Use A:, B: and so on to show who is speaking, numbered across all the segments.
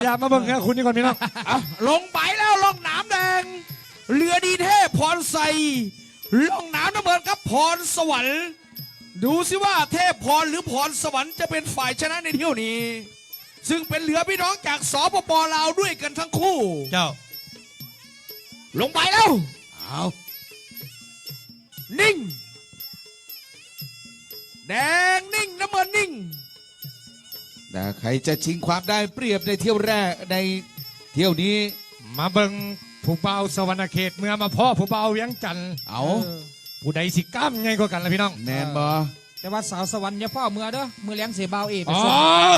A: อย่ามาเบิ่งนะคุณนี่ก่อนพี่น้อง
B: ลงไปแล้วล่องน้ำแดงเรือดีเทพพรไซล่องน้ำน้ำเงินครับพรสวรรค์ดูสิว่าเทพพรหรือพรสวรรค์จะเป็นฝ่ายชนะในเที่ยวนี้ซึ่งเป็นเรือพี่น้องจากสปป.ลาวด้วยกันทั้งคู่
A: เจ้า
B: ลงไปแล้วเอานิ่งแดงนิ่งน้ำเงินนิ่ง
C: แต่ใครจะชิงความได้เปรียบในเที่ยวแรกในเที่ยวนี้
A: มาเบิ่งผู้เบาสวรรณเขตเมื่อมาพ่อผู้เบาเวียงจันทร์
C: เอา
A: ผู้ใดสิกล้ามไงก็กันละพี่น้อง
C: แมนบอ
D: แต่ว่าสาวสวรรค์อย่าพ่อเมื่อเด้อมือเลี้ยงเสียเบาเอไป
A: อ๋อ
D: ส่ง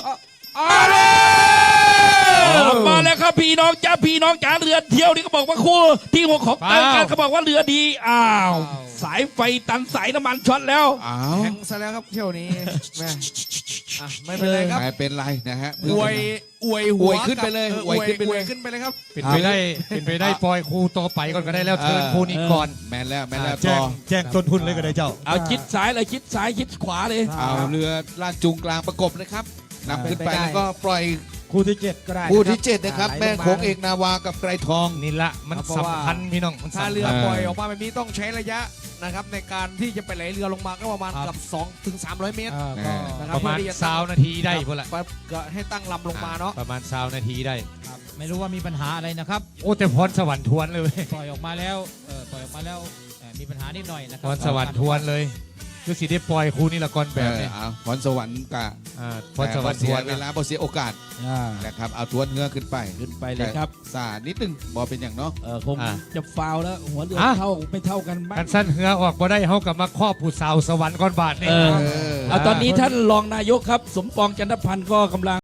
E: มาแล้วครับพี่น้องจ้าพี่น้องจ้าเรือเที่ยวนี่ก็บอกว่าคู่ที่หัวของรายการเขาบอกว่าเรือดีอ้าวสายไฟตันสายน้ำมันช็อตแล้ว
C: เอา
B: แข่งซะแล้วครับเที่ยวนี้แม่ไม่เป็นไรครับ
C: ไม่เป็นไรนะฮะ
B: อวยหั
C: อ
B: ว
C: วยขึ้นไปเลย
B: อวย
C: ขึ้นไปเลย
B: ขึ้นไปเลยครับ
A: เป็นไปได้ปล่อยครูต่อไปก่อนก็ได้แล้วเทิร์นครูนี้ก่อน
C: แมนแล้วต่
A: แจ้
C: อง
A: แจ้งต้นทุนเลยก็ได้เจ้า
E: เอาชิดซ้ายเลยชิดซ้ายชิดขวาเลย
C: เอาเรือลากจูงกลางประกบนะครับนำขึ้นไปแล้วก็ปล่อย
A: ครูที่เจ็ด
D: ก็ได้
C: คู่ที่7นะครับแม่โขงเอกนาวากับไกรทอง
A: นี่ละมันสำคัญพี่น้องมัน
B: ถ้า
A: สำ
B: เรือ
A: คัญ
B: ปล่อยออกมาแบบนี้ต้องใช้ระยะนะครับในการที่จะไปไหลเรือลงมาก็ประมาณเกับ2 ถึง 300 เมตร นะครับ
A: ประมาณ
B: เพื่อที่จะ
A: 20 นาทีได้พอละ
B: ก็ให้ตั้งลำลงมาเนาะ
A: ประมาณ20 นาทีได้
D: ไม่รู้ว่ามีปัญหาอะไรนะครับ
A: โอ้แต่พรสวรรค์ทวนเลยเว้ย
D: ปล่อยออกมาแล้วปล่อยออกมาแล้วมีปัญหานิดหน่อยนะค
A: พ
D: รับ
A: รสวรรค์ทวนเลยคือสิได้ปล่อยครูนี่ละก่อนแบบนี้
C: เอาพรสวรรค์กับ
A: พรสวรรค์ท
C: เสี
A: วย น
C: เวลาบ่เสียโอกาสนะครับเอาทวนเงือขึ้นไป
E: ขึ้นไปเลยครับ
C: สานิดนึงบอเป็นอย่างเนาะ
E: คงจะฟาวแล้วหัวเรือไม่เท่ากันบ้า
A: กัน นสั้นเหือออกบ่ได้เฮากับมาครอบผู้สาวสวรรค์ก่อนบาทนี่
E: เอาตอนนี้ท่านรองนายกครับ สมปองจันทพันธ์ก็กำลัง